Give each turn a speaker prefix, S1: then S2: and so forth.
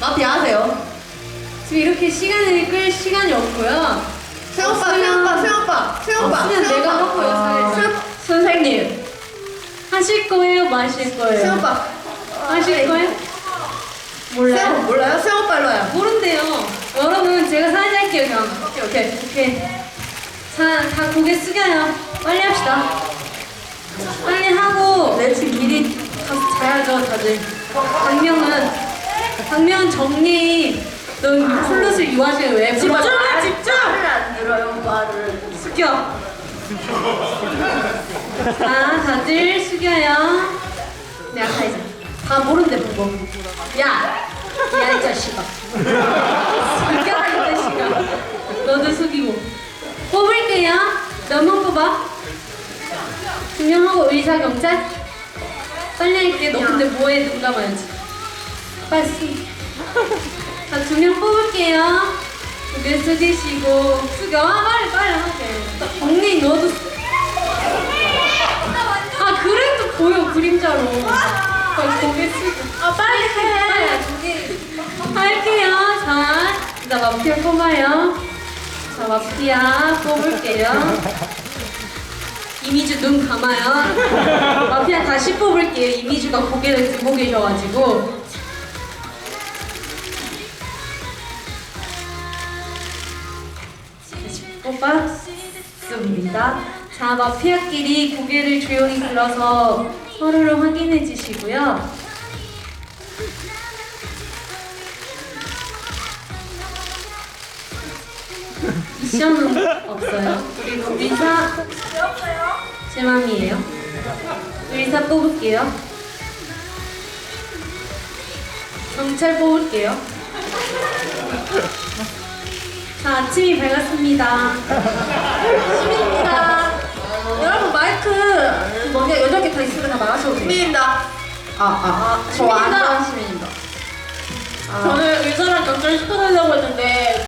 S1: 마피아 하세요.
S2: 지금 이렇게 시간을 끌 시간이 없고요.
S1: 수영오빠,
S2: 수면 내가 하고요.
S1: 선생님.
S2: 하실 거예요? 마실 거예요?
S1: 수영오빠.
S2: 하실 거예요? 몰라요?
S1: 몰라요? 수영오빠 일로 와요.
S2: 모른대요. 여러분 제가 사인 할게요 그냥.
S1: 오케이.
S2: 자, 다 고개 숙여요. 빨리 합시다. 빨리 하고 내집 길이 가서 자야죠 다들. 박명은 정리. 넌 플룻을 유아실 왜 불러? 집중!
S1: 말을 안 들어요, 말을.
S2: 숙여. 자, 다들 숙여요. 내가 가이자. 다 모른대 보고. 야, 이 자식아. 숙여라 이 자식아. 너도 숙이고. 뽑을게요. 너만 뽑아. 증명하고 의사 경찰. 빨리 할게. 너 근데 뭐해? 눈 감아야지. 빨리 숙. 자, 2명 뽑을게요. 고개 숙이시고 숙여. 빨리 하게. 언니 너도 그래도 보여 그림자로. 빨리 고개 숙여. 빨리 해. 할게요. 자, 일단 마피아 뽑아요. 자, 마피아 뽑을게요. 이미주 눈 감아요. 마피아 다시 뽑을게요. 이미주가 고개를 들고 계셔가지고. 뽑았습니다. 자, 마피아끼리 고개를 조용히 들어서 서로를 확인해 주시고요. 미션은 없어요. 그리고 의사 제 맘이에요. 의사 뽑을게요. 경찰 뽑을게요. 자, 아침이 밝았습니다.
S1: 시민입니다. 여러분, 마이크 뭐냐 8개 다 있으면 다 나가셔도 돼요. 시민입니다. 저
S2: 시민입니다.
S1: 안전 시민입니다.
S2: 저는 의사랑 경찰 시켜달라고 했는데